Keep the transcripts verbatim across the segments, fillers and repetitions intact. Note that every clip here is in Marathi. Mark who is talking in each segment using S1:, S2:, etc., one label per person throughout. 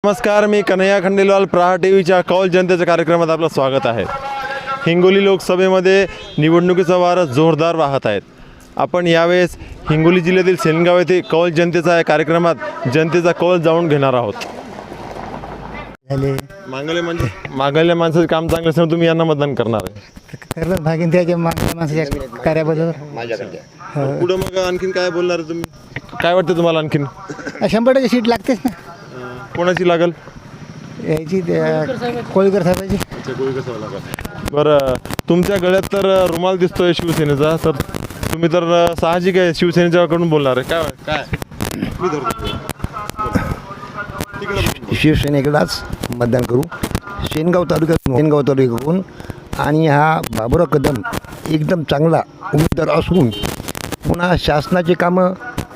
S1: नमस्कार, मी कन्हैया खंडेलवाल. प्रहार टीव्हीच्या कौल जनतेच्या कार्यक्रमात आपलं स्वागत आहे. हिंगोली लोकसभेमध्ये निवडणुकीचा वारा जोरदार वाहत आहेत. आपण यावेळेस हिंगोली जिल्ह्यातील सेनगाव येथे कौल जनतेचा या कार्यक्रमात जनतेचा कौल जाणून घेणार आहोत. मागले म्हणजे मागल्या माणसाचे काम चांगले असल्याने तुम्ही यांना मतदान करणार आहे.
S2: करलं भागीन त्याच्या मागल्या माणसाच्या कार्याबद्दल
S1: पुढे मग आणखीन काय बोलणार आहे तुम्ही? काय वाटतं तुम्हाला आणखीन?
S2: शंभर टक्के सीट लागतेच ना.
S1: कोणाची लागल?
S2: याची त्या कोळीकर साहेबाची.
S1: बरं, तुमच्या गळ्यात तर रुमाल दिसतोय शिवसेनेचा, तर तुम्ही तर साहजिक आहे शिवसेनेच्याकडून बोलणार आहे. काय काय
S3: शिवसेनेकडेच मतदान करू. शेनगाव तालुक्यात शेनगाव तालुक्याकडून आणि हा बाबुराव कदम एकदम चांगला उमेदवार असून पुन्हा शासनाचे कामं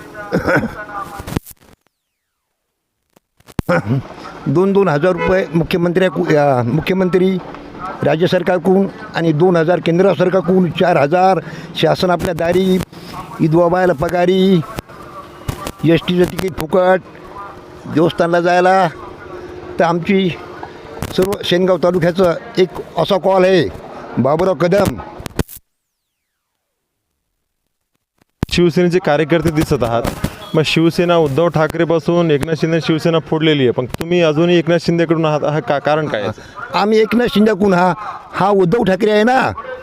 S3: दोन दोन हजार रुपये मुख्यमंत्र्याकू मुख्यमंत्री राज्य सरकारकडून आणि दोन हजार केंद्र सरकारकडून चार हजार शासन आपल्या दारी, विधवा बायाला पगारी, एस टीचं तिकीट फुकट, देवस्थानला जायला. तर आमची सर्व शेनगाव तालुक्याचं एक असा कॉल आहे, बाबुराव कदम.
S1: शिवसेनेचे कार्यकर्ते दिसत आहात. मग शिवसेना उद्धव ठाकरेपासून एकनाथ शिंदे शिवसेना फोडलेली आहे, पण तुम्ही अजूनही एकनाथ शिंदेकडून आहात. हा का कारण काय आहे?
S3: आम्ही एकनाथ शिंदेकडून, हा हा उद्धव ठाकरे आहे ना,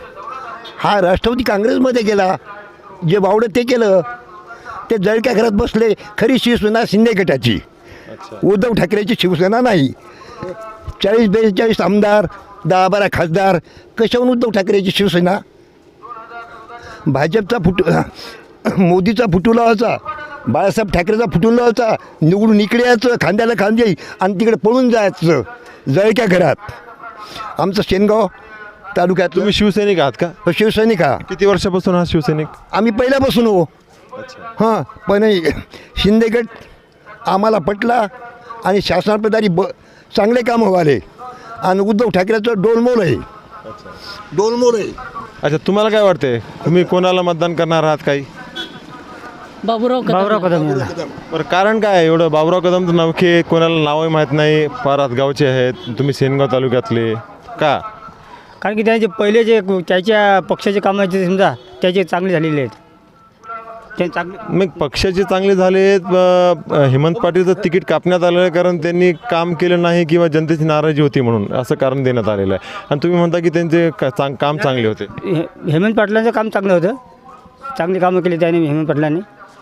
S3: हा राष्ट्रवादी काँग्रेसमध्ये गेला. जे बावडं ते केलं, ते जळक्या घरात बसले. खरी शिवसेना शिंदे गटाची, उद्धव ठाकरेची शिवसेना नाही. चाळीस बेचाळीस आमदार, दहा बारा खासदार, कशाहून उद्धव ठाकरेची शिवसेना? भाजपचा फुट मोदीचा फुटुला, बाळासाहेब ठाकरेचा फुटुला होता. निवडून इकडे यायचं, खांद्याला खांदे, आणि तिकडे पळून जायचं जळक्या घरात. आमचं शेनगाव तालुक्यात.
S1: तुम्ही शिवसैनिक आहात का?
S3: शिवसैनिक. हा
S1: किती वर्षापासून हा शिवसैनिक?
S3: आम्ही पहिल्यापासून हो. हां, पण शिंदेगड आम्हाला पटला आणि शासनाप्रदारी ब चांगले कामं व्हाले. आणि उद्धव ठाकरेचं डोलमोल आहे, डोलमोल आहे.
S1: अच्छा, तुम्हाला काय वाटते, तुम्ही कोणाला मतदान करणार आहात? काही
S2: बाबुराव बाबुराव कदम.
S1: बरं, कारण काय एवढं? बाबुराव कदम तर नवखे, कोणाला नावही माहीत नाही, फार गावचे आहेत. तुम्ही सेनगाव तालुक्यातले का?
S4: कारण की त्यांचे पहिले जे त्याच्या पक्षाचे कामं आहेत समजा, त्याचे चांगले झालेले आहेत. ते चांगले
S1: मग पक्षाचे चांगले झालेत. हेमंत पाटीलचं तिकीट कापण्यात आलं आहे कारण त्यांनी काम केलं नाही किंवा जनतेची नाराजी होती म्हणून असं कारण देण्यात आलेलं आहे. आणि तुम्ही म्हणता की त्यांचे का चांग काम चांगले होते.
S4: हे हेमंत पाटलांचं काम चांगलं होतं, चांगली कामं केली त्याने हेमंत पाटलांनी.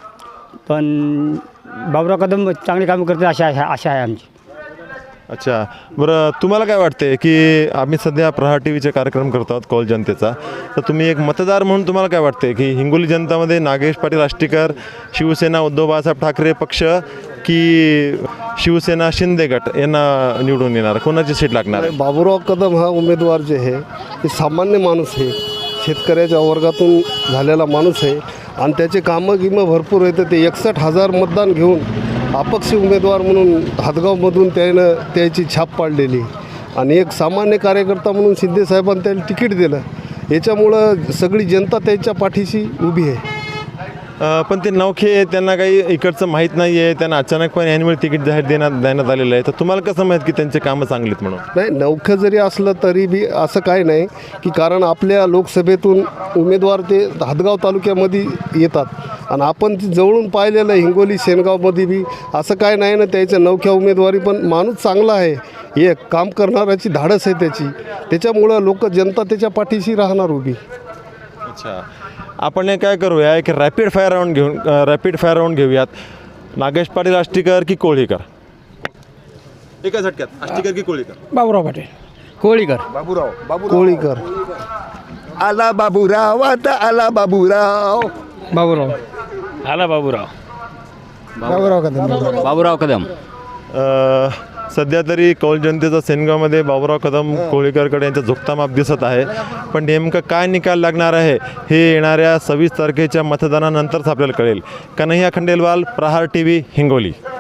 S4: पण बाबुराव कदम चांगली कामं करते अशा आशा आहे आमची.
S1: अच्छा, बरं, तुम्हाला काय वाटते की आम्ही सध्या प्रहार टी व्हीचे कार्यक्रम करतो आहोत कौल जनतेचा, तर तुम्ही एक मतदार म्हणून तुम्हाला काय वाटते की हिंगोली जनतामध्ये नागेश पाटील आष्टीकर, शिवसेना उद्धव बाळासाहेब ठाकरे पक्ष की शिवसेना शिंदे गट यांना निवडून येणार, कोणाची सीट लागणार आहे?
S5: बाबुराव कदम हा उमेदवार जे आहे ते सामान्य माणूस आहे, शेतकऱ्याच्या वर्गातून झालेला माणूस आहे आणि त्याचे कामं गिमं भरपूर आहेत. ते एकसष्ट हजार मतदान घेऊन अपक्ष उमेदवार म्हणून हातगावमधून त्यानं त्याची छाप पाडलेली आणि एक सामान्य कार्यकर्ता म्हणून शिंदेसाहेबांनी त्याला तिकीट दिलं. याच्यामुळं सगळी जनता त्याच्या पाठीशी उभी आहे.
S1: पण ते नवखे, त्यांना काही इकडचं माहीत नाही आहे, त्यांना अचानकपणे ॲन्युअल तिकीट जाहीर देण्यात देण्यात आलेलं आहे. तर तुम्हाला कसं माहीत की त्यांचे कामं चांगली आहेत म्हणून?
S5: नाही, नवखं जरी असलं तरी बी असं काय नाही की, कारण आपल्या लोकसभेतून उमेदवार ते हातगाव तालुक्यामध्ये येतात आणि आपण ती जवळून पाहिलेलं हिंगोली शेनगावमध्ये बी असं काय नाही ना. त्याच्या नवख्या उमेदवारी पण माणूस चांगला आहे, एक काम करणाऱ्याची धाडस आहे त्याची, त्याच्यामुळं लोक जनता त्याच्या पाठीशी राहणार उभी.
S1: अच्छा, आपण हे काय करूया, एक रॅपिड फायर राऊंड घेऊन रॅपिड फायर राऊंड घेऊयात. नागेश पाटील आष्टीकर की कोळीकर? एका झटक्यात आष्टीकर की कोळीकर?
S2: बाबुराव पाटील.
S4: कोळीकर.
S3: बाबुराव बाबू
S5: कोळीकर.
S3: आला बाबूराव, आता आला बाबूराव.
S4: बाबुराव आला बाबुराव
S2: बाबुराव कदम.
S4: बाबुराव कदम.
S1: सध्या तरी कौल जनतेचा सेनगावमध्ये बाबुराव कदम कोळीकरकडे यांचा झुकता माप दिसत आहे. पण नेमकं काय निकाल लागणार आहे हे येणाऱ्या सव्वीस तारखेच्या मतदानानंतरच आपल्याला कळेल. Kanhaiya Khandelwal, Prahar T V, Hingoli.